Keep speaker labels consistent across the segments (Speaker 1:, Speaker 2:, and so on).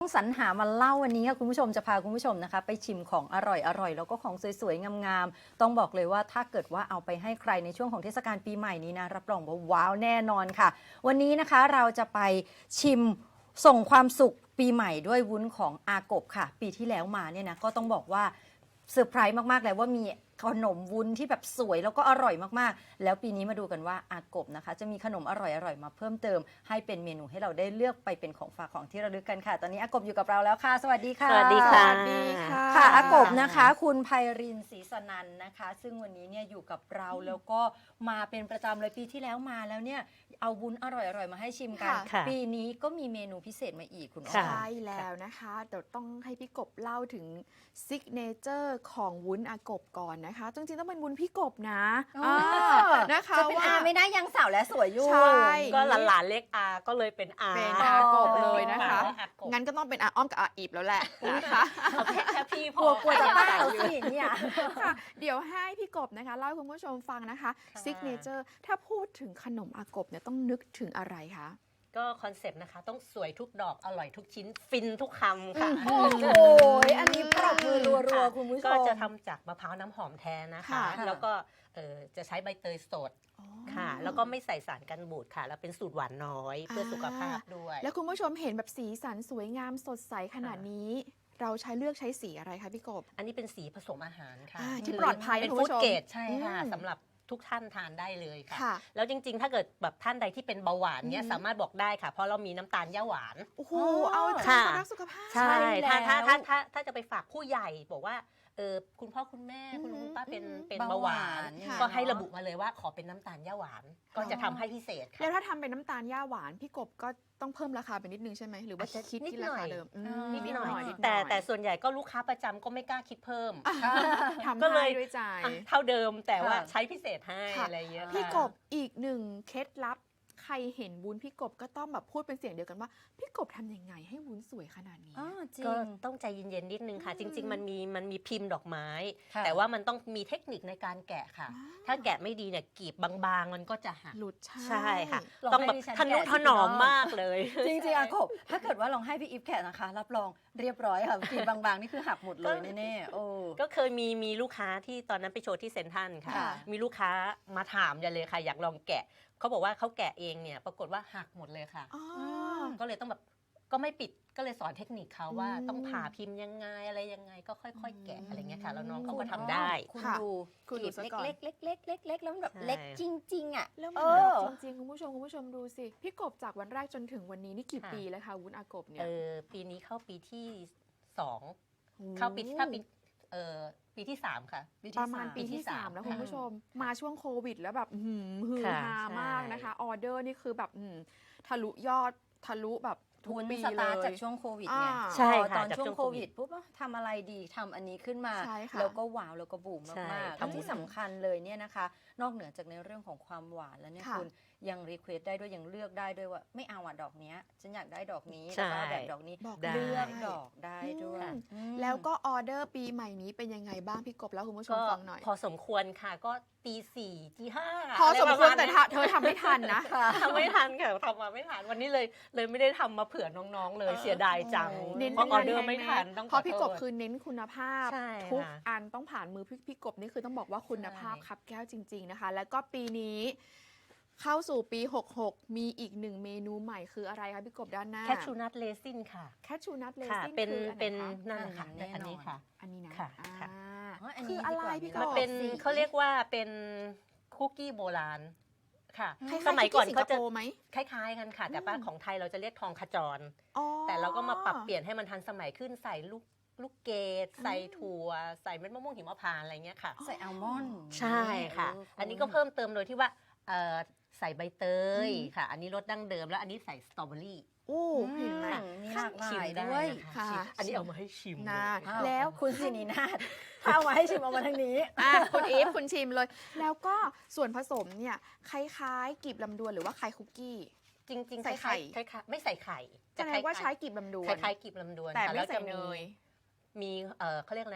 Speaker 1: ต้องสรรหามาเล่าวันนี้ค่ะคุณผู้ชมจะพาคุณผู้ชมนะคะไปชิมของอร่อยแล้วก็ของสวยๆงามๆต้องบอกเลยว่าถ้าเกิดว่าเอาไปให้ใครในช่วงของเทศกาลปีใหม่นี้นะรับรองว่าว้าวแน่นอนค่ะวันนี้นะคะเราจะไปชิมส่งความสุขปีใหม่ด้วยวุ้นของอากบค่ะปีที่แล้วมาเนี่ยนะก็ต้องบอกว่าเซอร์ไพรส์มากๆเลยว่ามีขนมวุ้นที่แบบสวยแล้วก็อร่อยมากๆแล้วปีนี้มาดูกันว่าอากบนะคะจะมีขนมอร่อยมาเพิ่มเติมให้เป็นเมนูให้เราได้เลือกไปเป็นของฝากของที่ระลึกกันค่ะตอนนี้อากบอยู่กับเราแล้วค่ะสวัสดีค่ะ
Speaker 2: สวัสดีค่ะ
Speaker 1: สวัสดีค่ะอากบนะคะคุณไพรินทร์ศรีสนันท์นะคะ ซึ่งวันนี้เนี่ยอยู่กับเราแล้วก็มาเป็นประจำเลยปีที่แล้วมาแล้วเนี่ยเอาวุ้นอร่อยมาให้ชิมกัน
Speaker 2: ค่ะ
Speaker 1: ปีนี้ก็มีเมนูพิเศษมาอีกคุณอ้อ
Speaker 2: ค่ะ
Speaker 3: ใช่แล้วนะคะเดี๋ยวต้องให้พี่กบเล่าถึงซิกเนเจอร์ของวุ้นอากบก่อนนะคะจริงๆต้องเป็นวุ้นพี่กบนะ
Speaker 1: อ๋อ
Speaker 3: นะคะ
Speaker 1: จะเป็นอาไม่ได้ยังสาวและสวยอยู่
Speaker 3: ใช่
Speaker 2: ก็หลานๆเล็กอาก็เลยเป็นอา
Speaker 3: เป็นอากบเลยนะคะ
Speaker 2: อากบ
Speaker 3: งั้นก็ต้องเป็นอาอ้อมกับอาอีบแล้วแหละนะคะ
Speaker 2: เอาแค่พี่พ
Speaker 1: กลั
Speaker 2: อ
Speaker 1: วจะบ้าเราสิเนี่ย
Speaker 3: ค่ะเดี๋ยวให้พี่กบนะคะเล่าให้คุณผู้ชมฟังนะคะ
Speaker 2: ค่ะ
Speaker 3: ซิกเนเจอร์ถ้าพูดถึงขนมอากบเนี่ยต้องนึกถึงอะไรคะ
Speaker 2: ก็คอนเซปต์นะคะต้องสวยทุกดอกอร่อยทุกชิ้นฟินทุกคำค่ะ
Speaker 1: โอ้โหอันนี้ปรบมือรัวๆคุณผู้ชม
Speaker 2: ก็จะทำจากมะพร้าวน้ำหอมแท้นะคะ
Speaker 3: ค่ะ
Speaker 2: แล้วก็จะใช้ใบเตยสด
Speaker 3: อ๋อ
Speaker 2: ค่ะ แล้วก็ไม่ใส่สารกันบูดค่ะ แล้วเป็นสูตรหวานน้อยเพื่อสุขภาพด้วย
Speaker 3: แล้วคุณผู้ชมเห็นแบบสีสันสวยงามสดใสขนาดนี้ เราเลือกใช้สีอะไรคะพี่กบ
Speaker 2: อันนี้เป็นสีผสมอาหารค่ะ
Speaker 3: ที่ปลอดภัย
Speaker 2: เป็น
Speaker 3: นะคุณ
Speaker 2: ฟู้
Speaker 3: ผู้
Speaker 2: ด
Speaker 3: ชม
Speaker 2: เกรดใช่ค่ะ
Speaker 3: อืม
Speaker 2: สำหรับทุกท่านทานได้เลยค่ะ
Speaker 3: ค่ะ
Speaker 2: แล้วจริงๆ ถ้าเกิดแบบท่านใดที่เป็นเบาหวานเนี้ย
Speaker 3: อืม
Speaker 2: สามารถบอกได้ค่ะ เพราะเรามีน้ำตาลย่าหวาน
Speaker 3: โอ้โห
Speaker 1: อ๋อ
Speaker 3: เอาใจ
Speaker 2: ค่ะ
Speaker 3: คนรักสุขภาพ
Speaker 2: ใช่
Speaker 1: แล้ว
Speaker 2: ถ้าจะไปฝากผู้ใหญ่บอกว่าคุณพ่อคุณแม่คุณลุงคุณป้าเป็น
Speaker 3: อืม
Speaker 2: เป็น
Speaker 1: เบา
Speaker 2: เบา
Speaker 1: ห
Speaker 2: ห
Speaker 1: วาว
Speaker 2: าน น
Speaker 1: ค่ะ
Speaker 2: ก็ให้ระบุมาเลยว่าขอเป็นน้ำตาลย่าหวาน ก็จะทำให้พิเศษ
Speaker 3: แล้
Speaker 2: ค่ะ
Speaker 3: วถ้าทำเป็นน้ำตาลย่าหวานพี่กบก็ต้องเพิ่มราคาไปนิดนึงใช่ไหมหรือว่า
Speaker 2: อาจจะ
Speaker 3: คิด
Speaker 2: นิด
Speaker 3: ที่
Speaker 2: หน่
Speaker 3: รา
Speaker 2: อย
Speaker 3: คาเดิม
Speaker 1: นิดหน่อย
Speaker 2: แต่ส่วนใหญ่ก็ลูกค้าประจำก็ไม่กล้าคิดเพิ่ม
Speaker 3: ทำ
Speaker 2: ก็เล
Speaker 3: ให้
Speaker 2: ย
Speaker 3: ด้วยใจ
Speaker 2: อ่ะเท่าเดิมแต่ว่า
Speaker 1: ค่ะ
Speaker 2: ใช้พิเศษให้
Speaker 3: ค่ะ
Speaker 2: อะไรเงี้ยค่ะ
Speaker 3: พี่กบอีกหนึ่งเคล็ดลับใครเห็นวุ้นพี่กบก็ต้องแบบพูดเป็นเสียงเดียวกันว่าพี่กบทำยังไงให้วุ้นสวยขนาดนี้
Speaker 1: อ๋อจริ
Speaker 2: ก็
Speaker 1: ง
Speaker 2: ต้องใจเย็นๆนิดนึงค่ะ
Speaker 3: อืม
Speaker 2: จริง ๆ มันมีพิมพ์ดอกไม้
Speaker 1: ค่ะ
Speaker 2: แต่ว่ามันต้องมีเทคนิคในการแกะค่ะ
Speaker 3: อ๋อ
Speaker 2: ถ้าแกะไม่ดีเนี่ยกลีบบางๆ มันก็จะหัก
Speaker 3: หลุด
Speaker 2: ใช่ค่ะ
Speaker 1: ลอง
Speaker 2: ต้อง
Speaker 1: ให้
Speaker 2: แบบ
Speaker 1: ดิฉัน
Speaker 2: ทนุ
Speaker 1: แกะ
Speaker 2: ถ
Speaker 1: สิ
Speaker 2: นอม
Speaker 1: พี่น้อง
Speaker 2: มากเลย
Speaker 1: จริงๆอากบถ้าเกิดว่าลองให้พี่อีฟแกะนะคะ รับรองเรียบร้อยค่ะกรีบบางๆ นี่คือหักหมดเลยแน่ๆโอ้
Speaker 2: ก็เคยมีลูกค้าที่ตอนนั้นไปโชว์ที่เซ็นทรัลค่ะ
Speaker 1: ค่ะ
Speaker 2: มีลูกค้ามาถามกันเลยค่ะ อยากลองแกะเขาบอกว่าเขาแกะเองเนี่ยปรากฏว่าหักหมดเลยค่ะ
Speaker 3: อ๋อ
Speaker 2: ก็เลยต้องแบบก็ไม่ปิดก็เลยสอนเทคนิคเขาว่า
Speaker 3: อืม
Speaker 2: ต้องผ่าพิมพ์ยังไงอะไรยังไงก็ค่อยๆ แกะอะไรเงี้ยค่ะ แล้วน้องเขาก็ทำได้
Speaker 1: คุณ
Speaker 3: ค่ะ
Speaker 1: ดู
Speaker 3: คุณ
Speaker 1: ก
Speaker 3: ดู
Speaker 1: รีบ
Speaker 3: ซะก่อน
Speaker 1: เล็กๆแล้วมันแบบ
Speaker 2: ใช่
Speaker 1: เล็กจริงๆอ่ะ
Speaker 3: แล้วมัน
Speaker 1: เอ
Speaker 3: แบบ
Speaker 1: อ
Speaker 3: จริงๆคุณผู้ชมดูสิพี่กบจากวันแรกจนถึงวันนี้นี่กี่
Speaker 2: ค่ะ
Speaker 3: ปีแล้วคะวุ้นอากบเนี่ย
Speaker 2: ปีนี้เข้าปีที่สอง
Speaker 3: โอ้
Speaker 2: เข้าปีที่สามค่ะ
Speaker 3: ประมาณปี
Speaker 2: ปีที่
Speaker 3: ที่
Speaker 2: สาม
Speaker 3: 3 แล้ว
Speaker 2: ค่ะ
Speaker 3: คุณผู้ชม มาช่วงโควิด แล้วแบบฮือ
Speaker 2: ค่ะ
Speaker 3: ฮามากนะคะ ออเดอร์นี่คือแบบทะลุยอดทะลุแบบทุก
Speaker 1: วุ้น
Speaker 3: ปี
Speaker 1: ส
Speaker 3: เล
Speaker 1: ตาร์ท
Speaker 3: ย
Speaker 1: จากช่วงโควิดไง
Speaker 3: อ่า
Speaker 2: ใช่
Speaker 1: พอ
Speaker 2: ค่ะ
Speaker 1: ตอน
Speaker 2: จาก
Speaker 1: ช่วง
Speaker 2: ช่วง
Speaker 1: โค
Speaker 2: โควิ
Speaker 1: วิด
Speaker 2: ด
Speaker 1: ปุ๊บทำอะไรดีทำอันนี้ขึ้นมา
Speaker 3: ใช่ค่ะ
Speaker 1: แล้วก็ว้าวแล้วก็บูม
Speaker 2: ใช่
Speaker 1: มากๆ
Speaker 2: ทำ
Speaker 1: และที่สำคัญเลยเนี่ยนะคะ นอกเหนือจากในเรื่องของความหวานแล้วเนี่ย
Speaker 3: ค่ะ
Speaker 1: คุณยังรีเควสได้ด้วยยังเลือกได้ด้วยว่าไม่เอาอ่ะดอกเนี้ยฉันอยากได้ดอกนี้
Speaker 2: ใช่
Speaker 1: แล้วก็เอาแบบดอกนี้
Speaker 3: บอก
Speaker 2: ได้
Speaker 1: เลือก
Speaker 3: ได้
Speaker 1: ดอกได้ด้วย
Speaker 3: อืม
Speaker 1: อืม
Speaker 3: แล้วก็ออเดอร์ปีใหม่นี้เป็นยังไงบ้างพี่กบแล้วคุณผู้ชม
Speaker 2: ก็
Speaker 3: ฟังหน่อย
Speaker 2: พอสมควรค่ะก็ตีสี่ตีห้า
Speaker 3: พอสมควร
Speaker 2: อะ
Speaker 3: แต่
Speaker 2: ไประาณ
Speaker 3: เธอทำไม่ทันนะ
Speaker 2: ทำไม่ทันค่ะทำมาไม่ทันวันนี้เลยไม่ได้ทำมาเผื่อน้องๆ เลยเสียดายจัง
Speaker 3: เน้น
Speaker 2: เพราะออเดอร์ไม่ทันต้อง
Speaker 3: เพราะพี่กบ
Speaker 2: ขอโทษ
Speaker 3: คือเน้นคุณภาพ
Speaker 2: ใช่
Speaker 3: ทุก
Speaker 2: ค่ะ
Speaker 3: อันต้องผ่านมือพี่กบนี่คือต้องบอกว่าคุณภาพ
Speaker 1: ใช่
Speaker 3: ครับแก้วจริง ๆนะคะ แล้วก็ปีนี้เข้าสู่ปี 66 มีอีกหนึ่งเมนูใหม่คืออะไรคะพี่กบด้านหน้า
Speaker 2: แคชชูนัทเลซินค่ะ
Speaker 3: แคชชูนัทเล
Speaker 2: ค่ะ
Speaker 3: ซิน
Speaker 2: เป็น
Speaker 3: คืออันไห
Speaker 2: เป็น
Speaker 3: คะ
Speaker 2: นั่นแหละค่ะ
Speaker 1: แน่นอน
Speaker 2: อันนี้ค่ะ
Speaker 3: อันนี้นะ
Speaker 2: ค่ะ
Speaker 3: อ่า
Speaker 2: ค่ะ
Speaker 1: อ๋ออัน
Speaker 3: คื
Speaker 1: นี้
Speaker 3: ออะไร
Speaker 1: ดีกว่า
Speaker 3: พี่กบ
Speaker 2: มันเป็นเขาเรียกว่าเป็นคุกกี้โบราณค่ะ
Speaker 3: คล้ายๆ
Speaker 2: สมัยก่อน
Speaker 3: ที่
Speaker 2: เขาจะ
Speaker 3: สิงคโปร์ไหม
Speaker 2: คล้ายๆกันค่ะ แต่ป้าของไทยเราจะเรียกทองขจร
Speaker 3: อ๋อ
Speaker 2: แต่เราก็มาปรับเปลี่ยนให้มันทันสมัยขึ้นใส่ลูกเกดใส่ถั่วใส่เม็ดมะม่วงหิมพานต์อะไรเงี้ยค่ะ
Speaker 1: ใส่อัลมอนด์
Speaker 2: ใช่ค่ะ อันนี้ก็เพิ่มเติมโดยที่ว่าใส่ใบเตยค่ะ อันนี้รสดั้งเดิมแล้วอันนี้ใส่สตรอเบอรี่
Speaker 3: โอ้เห็นไหม
Speaker 1: มีหลากหลา
Speaker 2: ชิม
Speaker 1: ย
Speaker 2: ได้
Speaker 1: ด้วย
Speaker 2: นะคะ
Speaker 3: ค่ะ
Speaker 2: ชิมอันนี้เอามาให้ชิม
Speaker 3: น่า
Speaker 2: เลย
Speaker 3: แล้ว
Speaker 1: คุณสินีนาฏถ้าเอามาให้ชิมเอามาทางนี้
Speaker 3: คุณอีฟคุณชิมเลย แล้วก็ส่วนผสมเนี่ยคล้ายๆกลีบลำดวนหรือว่าคล้ายคุกกี้
Speaker 2: จริงๆ
Speaker 3: ใส่ไข่
Speaker 2: คล้ายๆไม่ใส่ไข่
Speaker 3: แสดงว่าใช้กลีบลำดวน
Speaker 2: คล้ายๆกลีบลำดวน
Speaker 3: แต่
Speaker 2: ค่ะ
Speaker 3: ไม่
Speaker 2: แล้ว
Speaker 3: ใส่
Speaker 2: จะ
Speaker 3: เนย
Speaker 2: มีเขาเรียกนะ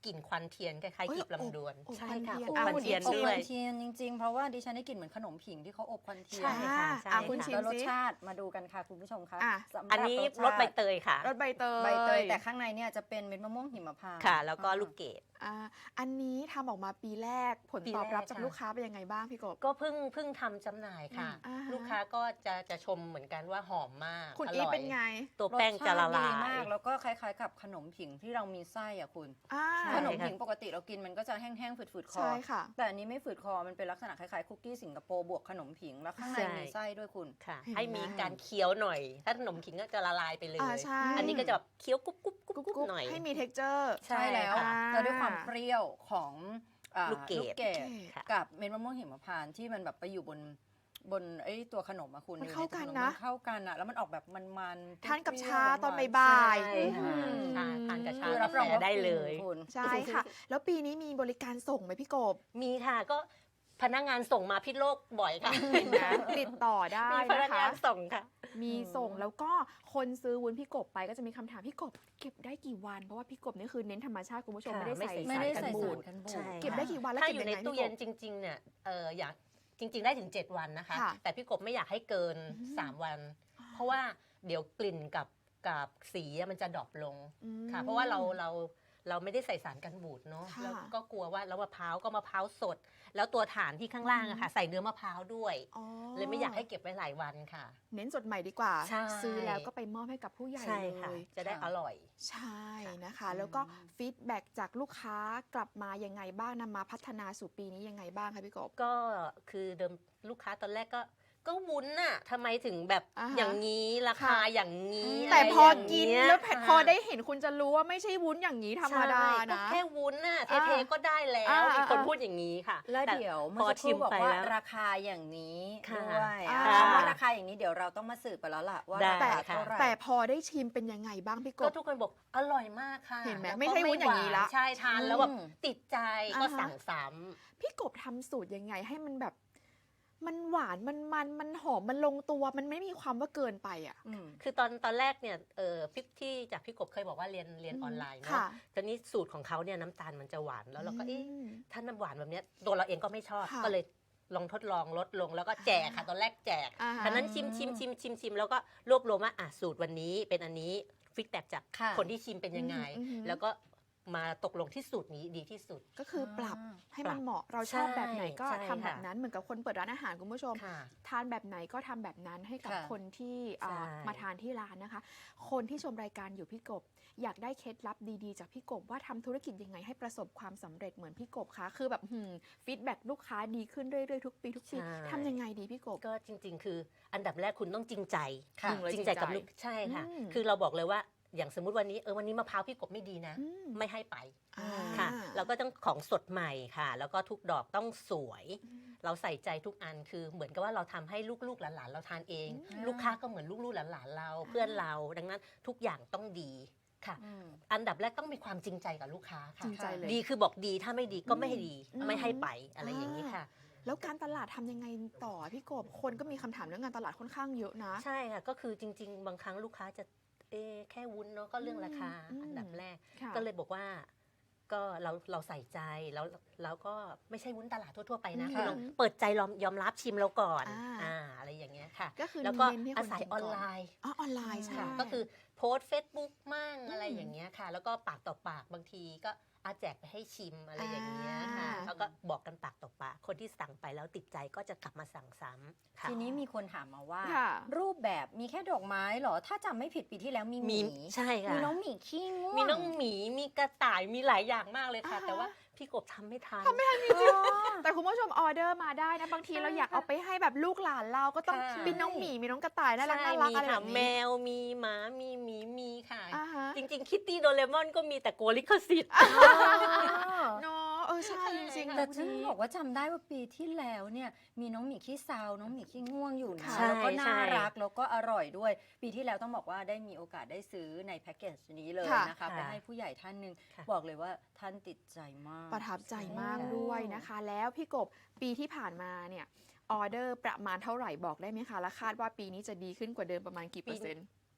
Speaker 2: กลิ่นควันเทียนคล้ายๆกลีบลำดวน
Speaker 3: อบ
Speaker 2: ใช่
Speaker 3: ควัน
Speaker 2: ค่ะ
Speaker 3: เทียน
Speaker 2: อบ
Speaker 3: อ่ะ
Speaker 2: ควัน
Speaker 3: คุณ
Speaker 2: เทียน
Speaker 3: อีก
Speaker 1: อบ
Speaker 2: ด้
Speaker 1: ค
Speaker 2: ว
Speaker 1: วั
Speaker 2: ย
Speaker 1: นเทียนจริงๆ เพราะว่าดิฉันได้กลิ่นเหมือนขนมผิงที่เขาอบควันเทียน
Speaker 2: ใช่ค่ะใช่
Speaker 3: คุณ
Speaker 2: ค่ะ
Speaker 3: ชิม
Speaker 1: แล้วรส
Speaker 3: สิ
Speaker 1: ชาติมาดูกันค่ะคุณผู้ชมคะ
Speaker 3: อ่ะ
Speaker 1: สำหรับ
Speaker 2: อันนี้รสใบเตยค่ะ
Speaker 3: รสใบเตย
Speaker 1: ใบเตยแต่ข้างในเนี่ยจะเป็นเม็ดมะม่วงหิมพานต์
Speaker 2: ค่ะ แล้วก็ลูกเกด
Speaker 3: อันนี้ทำออกมาปีแรกผล
Speaker 2: ปี
Speaker 3: ตอบรับ
Speaker 2: แรก
Speaker 3: จาก
Speaker 2: ค่ะ
Speaker 3: ลูกค้าเป็นยังไงบ้างพี่กบ
Speaker 2: ก็เพิ่งทำจำหน่ายค่ะ
Speaker 3: อ่าฮะ
Speaker 2: ลูกค้าก็จะชมเหมือนกันว่าหอมมาก
Speaker 3: คุณ
Speaker 2: อ
Speaker 3: อีท
Speaker 2: ร่อย
Speaker 3: เป็นไง
Speaker 2: ตัวแป้งจะละลาร
Speaker 1: สชติดี
Speaker 2: ย
Speaker 1: มากแล้วก็คล้ายๆกับขนมผิงที่เรามีไส้อะคุณ
Speaker 3: อ่า
Speaker 2: ใช่
Speaker 1: ขนม
Speaker 2: ค่ะ
Speaker 1: ผิงปกติเรากินมันก็จะแห้งๆฝืดๆคอ
Speaker 3: ใช่ค่ะ
Speaker 1: แต่อันนี้ไม่ฝืดคอมันเป็นลักษณะคล้ายๆคุกกี้สิงคโปร์บวกขนมผิงแล้วข้างใน
Speaker 2: ใช่
Speaker 1: มีไส้ด้วยคุณ
Speaker 2: ค่ะ
Speaker 3: เห็นไหม
Speaker 2: ให้มีการเคี้ยวหน่อย ถ้าขนมขิงก็จะละลายไปเลย
Speaker 3: ใช่
Speaker 2: อันนี้ก็จะแบบเคี้ยวกรุบกรุบกรุบ
Speaker 3: กุ๊บ
Speaker 2: กรุบ
Speaker 3: กุ๊บ
Speaker 2: หน่อย
Speaker 3: ให้มี texture
Speaker 1: ใช่แล้ว
Speaker 2: ค่ะ
Speaker 1: แล้วด้วยความเปรี้ยวของ
Speaker 2: ลูกเกด
Speaker 1: เกด
Speaker 2: ค่ะ
Speaker 1: กับเม็ดมะม่วงหิมพานต์ที่มันแบบไปอยู่บนไอ้ตัวขนมอะคุณ
Speaker 3: มัน
Speaker 1: อยู่
Speaker 3: เข้า
Speaker 1: ใตัว
Speaker 3: กัน
Speaker 1: ข
Speaker 3: นะ
Speaker 1: มัเข้ากันอะแล้วมันออกแบบมันๆ
Speaker 3: ทานกับ
Speaker 1: เปรี้ยว
Speaker 3: ชา
Speaker 1: ๆ
Speaker 3: ตอน
Speaker 1: หวๆ
Speaker 3: บ่าย
Speaker 2: ใช่
Speaker 3: ๆ
Speaker 2: ค่ะ
Speaker 3: อืม
Speaker 2: ชาทานกับชา
Speaker 1: คือรับรองว่า
Speaker 2: ได้เลย
Speaker 1: ฟินคุณ
Speaker 3: ใช่ค่ะ แล้วปีนี้มีบริการส่งไหมพี่กบ
Speaker 2: มีค่ะก็พนักงานส่งมาพิษโลกบ่อยค่ะ
Speaker 3: เห็นไหมติดต่อได้
Speaker 2: มีพนั
Speaker 3: นะ
Speaker 2: ก
Speaker 3: คะ
Speaker 2: งานส่งค่ะ
Speaker 3: มีส่งแล้วก็คนซื้อวุ้นพี่กบไปก็จะมีคำถามพี่กบเก็บได้กี่วัน เพราะว่าพี่กบนี่คือเน้นธรรมชาติคุณผู้ชม
Speaker 2: ค่ะ
Speaker 3: ไม่ได้ใส่
Speaker 1: ไม่ได้
Speaker 3: สาร
Speaker 1: ใส่
Speaker 3: กันบู
Speaker 1: สา
Speaker 3: ด
Speaker 1: รกันบูด
Speaker 2: ใช่
Speaker 3: เก็บได้กี่วันแล้ว
Speaker 2: ถ้า
Speaker 3: เก็บ
Speaker 2: อยู่
Speaker 3: ยัง
Speaker 2: ใน
Speaker 3: ไง
Speaker 2: ตู้
Speaker 3: พี่ก
Speaker 2: เย็
Speaker 3: บ
Speaker 2: นจริงๆเนี่ยอยากจริง ๆ ได้ถึง 7 วันนะคะ
Speaker 3: ค่ะ
Speaker 2: แต่พี่กบไม่อยากให้เกิน 3 วัน เพราะว่าเดี๋ยวกลิ่นกับสีอะมันจะดรอปลง
Speaker 3: อืม
Speaker 2: ค่ะ เพราะว่าเราไม่ได้ใส่สารกันบูดเนาะ
Speaker 3: ค่ะ
Speaker 2: แล้วก็กลัวว่าแล้วมะพร้าวก็มะพร้าวสด แล้วตัวฐานที่ข้างล่างอะค่ะ ใส่เนื้อมะพร้าวด้วย
Speaker 3: อ๋อ
Speaker 2: เลยไม่อยากให้เก็บไว้หลายวันค่ะ
Speaker 3: เน้นสดใหม่ดีกว่า
Speaker 2: ใช่
Speaker 3: ซื้อแล้วก็ไปมอบให้กับผู้ใหญ่
Speaker 2: ใช่
Speaker 3: เล
Speaker 2: ค่ะ
Speaker 3: ย
Speaker 2: จะได้อร่อย
Speaker 3: ใช่นะคะ แล้วก็ฟีดแบ็กจากลูกค้ากลับมายังไงบ้างนำมาพัฒนาสู่ปีนี้ยังไงบ้างคะพี่กบ
Speaker 2: ก็คือเดิมลูกค้าตอนแรกก็วุ้นน่ะทำไมถึงแบบ
Speaker 3: อ่าฮะ
Speaker 2: อย่างนี้ราคา
Speaker 3: ค่ะ
Speaker 2: อย่างนี้
Speaker 3: แต่
Speaker 2: ะไร
Speaker 3: พอ
Speaker 2: อย่าง
Speaker 3: กิน
Speaker 2: เงี้ย
Speaker 3: แล้ว
Speaker 2: ค่ะ
Speaker 3: พอได้เห็นคุณจะรู้ว่าไม่ใช่วุ้นอย่างนี้ธรรมดา
Speaker 2: ใช่ก็
Speaker 3: นะ
Speaker 2: แค่วุ้นน่ะเท
Speaker 3: อ่า
Speaker 2: ๆก็ได้แล้ว
Speaker 3: อ่า
Speaker 2: มีคน
Speaker 3: อ่า
Speaker 2: พูดอย่างนี้ค่ะ
Speaker 1: แล้ว
Speaker 2: ต่
Speaker 1: เดี๋ยว
Speaker 2: พ
Speaker 1: เมื่
Speaker 2: อ
Speaker 1: อสักค
Speaker 2: ชิ
Speaker 1: รู่
Speaker 2: ม
Speaker 1: บอก
Speaker 2: ไป
Speaker 1: ว่า
Speaker 2: แล้ว
Speaker 1: ราคาอย่างนี้
Speaker 2: ค่ะ
Speaker 1: ด้วย
Speaker 3: อ่า
Speaker 1: คำว่าราคาอย่างนี้เดี๋ยวเราต้องมาสืบไปแล้วล่ะว่า
Speaker 2: ได้
Speaker 1: รา
Speaker 3: แต่
Speaker 1: คาเท่าไหร่
Speaker 3: แต่พอได้ชิมเป็นยังไงบ้างพี่ก
Speaker 2: ก็
Speaker 3: บ
Speaker 2: ทุกคนบอกอร่อยมากค่ะ
Speaker 3: เห็นไหม
Speaker 2: แล้วก็
Speaker 3: ไม่ใช่วุ้นอย่างนี้ละ
Speaker 2: ใช่ทานแล้วแบบ
Speaker 1: อืม
Speaker 2: ติดใจ
Speaker 3: อ่า
Speaker 2: ก็
Speaker 3: ฮะ
Speaker 2: สั่งซ้
Speaker 3: พี่กบทำสูตรยังไงให้มันแบบ มันหวานมันหอมมันลงตัวมันไม่มีความว่าเกินไปอ่ะ
Speaker 1: อืม
Speaker 2: ำคือตอนแรกเนี่ยที่จากพี่กบเคยบอกว่าเรียนออนไลน์เนาะ
Speaker 3: ค่ะ
Speaker 2: ตอนนี้สูตรของเขาเนี่ยน้ำตาลมันจะหวานแล้วเราก็เอ๊ะ
Speaker 3: อืม
Speaker 2: ถ้าน้ำหวานแบบเนี้ยตัวเราเองก็ไม่ชอบ
Speaker 3: ค่ะ
Speaker 2: ก็เลยลองทดลองลดลงแล้วก็แจกค่ะตอนแรกแจก
Speaker 3: อ่าฮะ
Speaker 2: ฉะนั้นชิมแล้วก็รวบรวมว่าสูตรวันนี้เป็นอันนี้ฟีดแบ็กจาก
Speaker 1: ค่ะ
Speaker 2: คนที่ชิมเป็นยังไง
Speaker 3: อือหือ
Speaker 2: แล้วก็มาตกลงที่สูตรนี้ดีที่สุด
Speaker 3: ก็คือปรับให้
Speaker 2: ปรั
Speaker 3: มัน
Speaker 2: บ
Speaker 3: เหมาะเราชอบแบบไหนก็
Speaker 2: ใช่
Speaker 3: ทำแบบ
Speaker 2: ค่ะ
Speaker 3: นั้นเหมือนกับคนเปิดร้านอาหารคุณผู้ชม
Speaker 2: ค่ะ
Speaker 3: ทานแบบไหนก็ทำแบบนั้นให้กับ
Speaker 1: ค่ะ
Speaker 3: คนที่
Speaker 2: ใช่
Speaker 3: มาทานที่ร้านนะคะ คนที่ชมรายการอยู่พี่กบ อยากได้เคล็ดลับดีๆ จากพี่กบว่าทำธุรกิจยังไงให้ประสบความสำเร็จเหมือนพี่กบคะคือแบบฟีดแบ็ลูกค้าดีขึ้นเรื่อยๆทุกปีทำยังไงดีพี่กบ
Speaker 2: ก็จริง ๆ คืออันดับแรกคุณต้องจริงใจ
Speaker 1: ค่ะ
Speaker 2: จริงใจกับลูกใช่ค่ะ
Speaker 3: อืม
Speaker 2: คือเราบอกเลยว่าอย่างสมมุติวันนี้มะพร้าวพี่กบไม่ดีนะ
Speaker 3: อืม
Speaker 2: ไม่ให้ไป
Speaker 3: อ่า
Speaker 2: ค่ะเราก็ต้องของสดใหม่ค่ะ แล้วก็ทุกดอกต้องสวย เราใส่ใจทุกอันคือเหมือนกับว่าเราทำให้ลูกๆหลานๆเราทานเอง
Speaker 1: อืม
Speaker 2: ลูกค้าก็เหมือนลูกๆหลานๆเราเพื่อนเราดังนั้นทุกอย่างต้องดีค่ะ
Speaker 1: อืม
Speaker 2: อันดับแรกต้องมีความจริงใจกับลูกค้า
Speaker 3: จ
Speaker 2: ค่ะ
Speaker 3: ริงใจเลย
Speaker 2: ดีคือบอกดีถ้าไม่ดีก็ไม่ให้ดี
Speaker 3: อืม
Speaker 2: ไม่ให้ไปอะไรอย่างนี้ค่ะ
Speaker 3: แล้วการตลาดทำยังไงต่อพี่กบ คนก็มีคำถามเรื่องงานตลาดค่อนข้างเยอะนะ
Speaker 2: ใช่ค่ะก็คือจริง ๆ บางครั้งลูกค้าจะแค่วุ้นเนาะก็เรื่องราคา
Speaker 3: อืม
Speaker 2: อันดับแรก
Speaker 3: ค่ะ
Speaker 2: ก็เลยบอกว่าก็เราใส่ใจแล้วก็ไม่ใช่วุ้นตลาดทั่วๆไปนะ
Speaker 3: อืม
Speaker 2: คุณลองเปิดใจยอมรับชิมเราก่อน
Speaker 3: อ่า
Speaker 2: อะไรอย่างเงี้ยค่ะ
Speaker 3: ก็คือ
Speaker 2: แล้วก็
Speaker 3: เน้นให้คน
Speaker 2: อาศัย
Speaker 3: กิน
Speaker 2: อ
Speaker 3: ก่
Speaker 2: อนไลน์
Speaker 3: อ๋อออนไลน์ใช่
Speaker 2: ค่ะก็คือโพสต์ Facebook มั่งอะไร
Speaker 3: อืม
Speaker 2: อย่างเงี้ยค่ะ แล้วก็ปากต่อปากบางทีก็แจกไปให้ชิมอะไรอย่างเงี้ยค่ะ
Speaker 3: อ่า
Speaker 2: แล้วก็บอกกันปากต่อปากคนที่สั่งไปแล้วติดใจก็จะกลับมาสั่งซ้ำค่ะ
Speaker 1: ทีนี้มีคนถามมาว่า
Speaker 3: ค่ะ
Speaker 1: รูปแบบมีแค่ดอกไม้เหรอ ถ้าจำไม่ผิดปีที่แล้วมีห
Speaker 2: มี
Speaker 1: มี
Speaker 2: ใช่ค่ะ
Speaker 1: มีน้องหมีขี้ง่วง
Speaker 2: มีน้องหมี มีกระต่าย มีหลายอย่างมากเลยค่ะ
Speaker 3: อ่าฮะ
Speaker 2: แต่ว่าพี่กบทำไม่ทัน
Speaker 3: แต่คุณผู้ชมออเดอร์มาได้นะ บางทีเราอยากเอาไปให้แบบลูกหลานเราก็ต้อง
Speaker 2: ค่ะ
Speaker 3: มีน้องหมีมีน้องกระต่ายน่ารัก
Speaker 2: ใช่
Speaker 3: น่ารัก
Speaker 2: มี
Speaker 3: อะไรแบ
Speaker 2: ค่ะ
Speaker 3: บ
Speaker 2: แม
Speaker 3: นี้
Speaker 2: ว มีหมา มีหมี มีค่ะ
Speaker 3: อ่าฮะ
Speaker 2: จริงๆ คิตตี้โดเรมอนก็มีแต่กลัวลิขสิทธิ์
Speaker 3: เนาะใช่จริงๆ
Speaker 1: แต่
Speaker 3: นะ
Speaker 1: ฉัน
Speaker 3: คุณ
Speaker 1: บอกว่าจำได้ว่าปีที่แล้วเนี่ยมีน้องหมีขี้เซาน้องหมีขี้ง่วงอยู่นะ
Speaker 3: ใช่
Speaker 1: แล้วก็น่า
Speaker 2: ใช่
Speaker 1: รักแล้วก็อร่อยด้วย ปีที่แล้วต้องบอกว่าได้มีโอกาสได้ซื้อในแพ็กเกจนี้เลย
Speaker 3: ค่ะ
Speaker 1: นะคะไปให้ผู้ใหญ่ท่านหนึ่ง
Speaker 2: ค่ะ
Speaker 1: บอกเลยว่าท่านติดใจมาก
Speaker 3: ประทับใจมาก
Speaker 1: ใช่
Speaker 3: ด้วยนะคะ แล้วพี่กบปีที่ผ่านมาเนี่ยออเดอร์ประมาณเท่าไหร่บอกได้ไหมคะ และคาดว่าปีนี้จะดีขึ้นกว่าเดิมประมาณกี่เปอร์เซ็นต์
Speaker 2: ป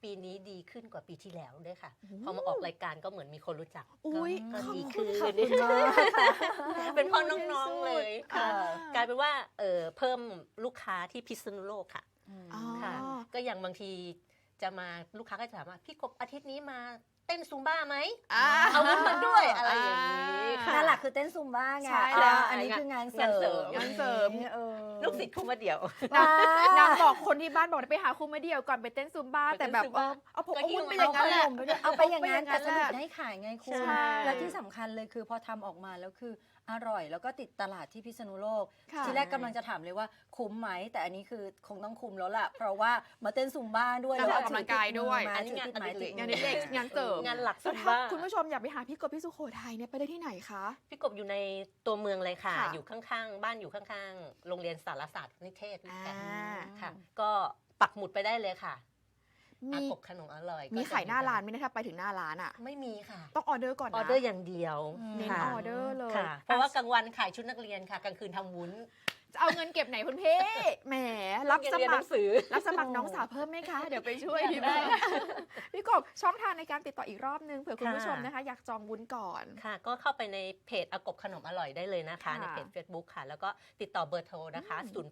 Speaker 2: ปีนี้ดีขึ้นกว่าปีที่แล้วด้วยค่ะ
Speaker 3: โอ้โห
Speaker 2: พอมาออกรายการก็เหมือนมีคนรู้จัก
Speaker 3: อุ๊ย
Speaker 2: ก็
Speaker 3: ขอบ
Speaker 2: ดี
Speaker 3: คุ
Speaker 2: ขึ้
Speaker 3: ณ
Speaker 2: น
Speaker 3: ค่ะ
Speaker 2: เป็นพ่อน้องๆเลยค่ะ
Speaker 3: อ่าก
Speaker 2: ลายเป็นว่าเพิ่มลูกค้าที่พิษณุโลกค่ะ
Speaker 3: อ๋อ
Speaker 2: ค่ะ ก็อย่างบางทีจะมาลูกค้าก็จะถามว่าพี่กบอาทิตย์นี้มาเต้นซุมบ้าไหม
Speaker 3: อ่า
Speaker 2: เอาวุ้นมาด้วยอะไรอย่างนี้ค่ะ
Speaker 1: นั่นแหละคือเต้นซุมบ้าไง
Speaker 3: ใช่แล้ว
Speaker 1: อันนี้คืองานเสริ
Speaker 2: งานเสริม
Speaker 1: ม
Speaker 3: งานเสริม
Speaker 1: เออ
Speaker 2: ลูกศิษย์ครูมาเดี่ยว
Speaker 3: นางบอกคนที่บ้านบอกไปหาครูมาเดียวก่อนไปเต้นซุมบ้า
Speaker 2: ไปเต้น
Speaker 3: แต่แบบ
Speaker 2: ซุมบ้า
Speaker 3: เอาผม
Speaker 2: ก็
Speaker 3: เอา
Speaker 2: หิ้
Speaker 3: วุ้
Speaker 2: วน
Speaker 3: ไป
Speaker 2: มา
Speaker 3: อย่างนั้นแหละ
Speaker 1: เอาไปอย่างนั้นแต่สนุก
Speaker 3: แหละ
Speaker 1: ได้ขายไงคุณ
Speaker 3: ใช่
Speaker 1: และที่สำคัญเลยคือพอทำออกมาแล้วคืออร่อยแล้วก็ติดตลาดที่พิษณุโลก
Speaker 3: ค่ะ
Speaker 1: ทีแรกกำลังจะถามเลยว่าคุ้มไหมแต่อันนี้คือคงต้องคุ้มแล้วล่ะ เพราะว่ามาเต้นซุมบ้าด้วย
Speaker 3: แล้วออกกำลังกายด้วย
Speaker 1: มา
Speaker 2: อันนี้
Speaker 1: ถือติดไม้
Speaker 2: งานอดิเรก
Speaker 1: ติด
Speaker 3: งาน
Speaker 1: มือ
Speaker 3: เด็กงานเสริม
Speaker 2: งานหลัก
Speaker 3: แล้ว
Speaker 2: ซุม
Speaker 3: ถ้า
Speaker 2: บ้า
Speaker 3: คุณผู้ชมอยากไปหาพี่กบพี่สุโขทัยเนี่ยไปได้ที่ไหนคะ
Speaker 2: พี่กบอยู่ในตัวเมืองเลยค่ะ
Speaker 3: ค่ะ
Speaker 2: อยู่ข้างๆ บ้านอยู่ข้างๆ โรงเรียนสารศาสตร์นิเทศด้วยกัน
Speaker 3: อ่า
Speaker 2: ค่ะ ก็ปักหมุดไปได้เลยค่ะอา
Speaker 3: มี
Speaker 2: กบขนมอร่อย
Speaker 3: มี
Speaker 2: ก็จะ
Speaker 3: ขายหน้าร้านไหมเนะถ้าไปถึงหน้าร้านอ่ะ
Speaker 2: ไม่มีค่ะ
Speaker 3: ต้องออเดอร์ก่อนนะ
Speaker 2: ออเดอร์อย่างเดียว
Speaker 3: เน้น
Speaker 2: ค่ะ
Speaker 3: ออเดอร์เลย
Speaker 2: ค่ะ เพราะว่ากลางวันขายชุดนักเรียนค่ะ กลางคืนทำวุ้น
Speaker 3: จะเอาเงินเก็บไหนคุณพี่แหมรับส
Speaker 2: เรียนห
Speaker 3: มั
Speaker 2: นั
Speaker 3: คร
Speaker 2: งสือ
Speaker 3: รับสมัครน้องสาวเพิ่มไหมคะ เดี๋ยวไปช่วยพี่แม่พี่กบช่องทางในการติดต่ออีกรอบนึงเผื่อคุณผู้ชมนะคะ อยากจองวุ้นก่อน
Speaker 2: ค่ะ ก็เข้าไปในเพจอากบขนมอร่อยได้เลยนะคะ
Speaker 3: ค่ะ
Speaker 2: ในเพจ Facebook ค่ะ แล้วก็ติดต่อเบอร์โทรนะคะ
Speaker 3: อืม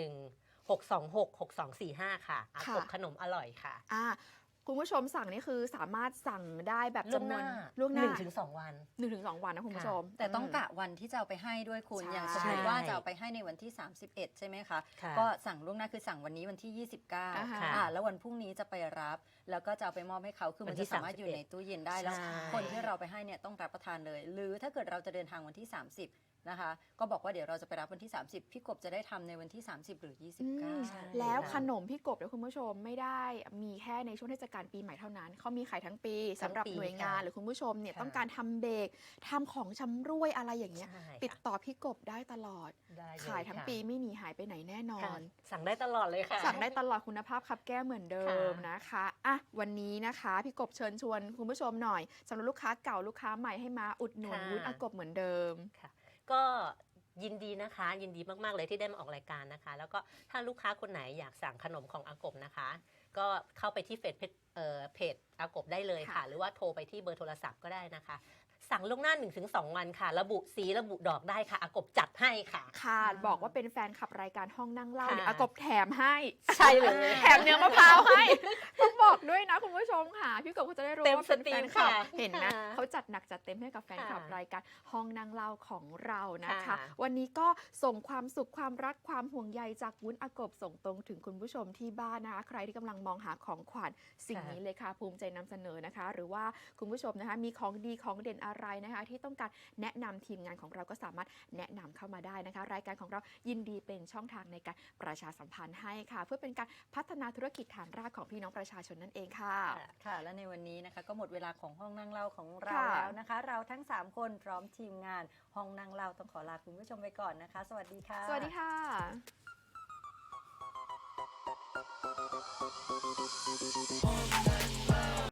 Speaker 2: 0816266245 ค่ะอากบขนมอร่อยค่ะ
Speaker 3: อ่าคุณผู้ชมสั่งนี่คือสามารถสั่งได้แบบ
Speaker 2: ล่วง
Speaker 3: จำน
Speaker 2: ห
Speaker 3: วน
Speaker 2: น้า
Speaker 3: ล่วงหน้า
Speaker 2: 1-2 วัน
Speaker 3: 1-2 วันนะคุณผู้ชม
Speaker 1: แต่ต้องกะวันที่จะเอาไปให้ด้วยคุณ
Speaker 3: ใช่
Speaker 1: อย่างสมมติว่าจะเอาไปให้ในวันที่ 31 ใช่ไหมคะ
Speaker 2: ค่ะ
Speaker 1: ก็สั่งล่วงหน้าคือสั่งวันนี้วันที่
Speaker 3: อ่าฮะ
Speaker 1: 29แล้ววันพรุ่งนี้จะไปรับ แล้วก็จะเอาไปมอบให้เขาคือมัน
Speaker 2: วันที่
Speaker 1: จะสามารถอยู่ในตู้เย็นได้แล้ว
Speaker 2: ใช่
Speaker 1: คนที่เราไปให้เนี่ยต้องรับประทานเลย หรือถ้าเกิดเราจะเดินทางวันที่ 30 นะคะ ก็บอกว่าเดี๋ยวเราจะไปรับวันที่ 30 พี่กบจะได้ทำในวันที่ 30 หรือ
Speaker 3: อืม
Speaker 1: 29
Speaker 2: ใช่
Speaker 3: แล้วขนมพี่กบเนี่ยคุณผู้ชมไม่ได้มีแค่ในช่วงเทศกาลปีใหม่เท่านั้นเขามีขายทั้งปี
Speaker 2: ทั้
Speaker 3: สำ
Speaker 2: ง
Speaker 3: หรับ
Speaker 2: ปี
Speaker 3: หน่วยงาน
Speaker 2: ค่ะ
Speaker 3: หรือคุณผู้ชมเนี่ย
Speaker 2: ค่ะ
Speaker 3: ต้องการทำเบรกทำของชำร่วยอะไรอย่างเงี้ย
Speaker 2: ใช่
Speaker 3: ติด
Speaker 2: ค่ะ
Speaker 3: ต่อพี่กบได้ตลอด
Speaker 2: ได้เล
Speaker 3: ขายทั้ง
Speaker 2: ค่ะ
Speaker 3: ปีไม่หนีหายไปไหนแน่นอ
Speaker 2: ค่ะ
Speaker 3: น
Speaker 2: สั่งได้ตลอดเลยค่ะ
Speaker 3: สั่งได้ตลอดคุณภาพครับแก้วเหมือนเดิม
Speaker 2: ค่ะ
Speaker 3: นะคะอ่ะวันนี้นะคะพี่กบเชิญชวนคุณผู้ชมหน่อยสำหรับลูกค้าเก่าลูกค้าใหม่ให้มาอุดหนุนวุ้นอากบเหมือนเดิม
Speaker 2: ก็ยินดีนะคะ ยินดีมากๆเลยที่ได้มาออกรายการนะคะ แล้วก็ถ้าลูกค้าคนไหนอยากสั่งขนมของอากบนะคะ ก็เข้าไปที่เพจอากบได้เลยค่ะ
Speaker 3: ค่ะ
Speaker 2: หรือว่าโทรไปที่เบอร์โทรศัพท์ก็ได้นะคะ สั่งล่วงหน้า 1-2 วันค่ะ ระบุสีระบุดอกได้ค่ะอากบจัดให้ค่ะ
Speaker 3: ค่ะบอกว่าเป็นแฟนขับรายการห้องนั่งเล่า
Speaker 2: ค่ะ
Speaker 3: เดี๋ยวอากบแถมให้
Speaker 2: ใช่เลย
Speaker 3: แถมเนื้อมะพร้าวให้ ต้องบอกด้วยนะคุณผู้ชมค่ะ พี่กบเขาจะได้รู้
Speaker 2: เต็ม
Speaker 3: ว่าเป็น
Speaker 2: สตรี
Speaker 3: แฟ
Speaker 2: ม
Speaker 3: นคลับ
Speaker 2: ค่ะ
Speaker 3: เห็นไหม
Speaker 2: ค่ะ
Speaker 3: เขาจัดหนักจัดเต็มให้กับแฟนคลับ
Speaker 2: ค่ะ
Speaker 3: รายการห้องนั่งเล่าของเรานะคะ
Speaker 2: ค่ะ
Speaker 3: วันนี้ก็ส่งความสุขความรักความห่วงใยจากวุ้นอากบส่งตรงถึงคุณผู้ชมที่บ้านนะคะใครที่กำลังมองหาของขวัญสิ่งนี้เลยค่ะภูมิใจนำเสนอนะคะ หรือว่าคุณผู้ชมนะคะมีของดีของเด่นอะไรนะคะ ที่ต้องการแนะนำทีมงานของเราก็สามารถแนะนำเข้ามาได้นะคะ รายการของเรายินดีเป็นช่องทางในการประชาสัมพันธ์ให้ค่ะ เพื่อเป็นการพัฒนาธุรกิจฐานรากของพี่น้องประชาชนนั่นเองค่ะ
Speaker 1: ค่ะ และในวันนี้นะคะก็หมดเวลาของห้องนั่งเล่าของเรา
Speaker 3: ค่ะ
Speaker 1: แล้วนะคะ เราทั้ง 3 คนพร้อมทีมงานห้องนั่งเล่าต้องขอลาคุณผู้ชมไปก่อนนะคะ สวัสดีค่ะ
Speaker 3: สวัสดีค่ะ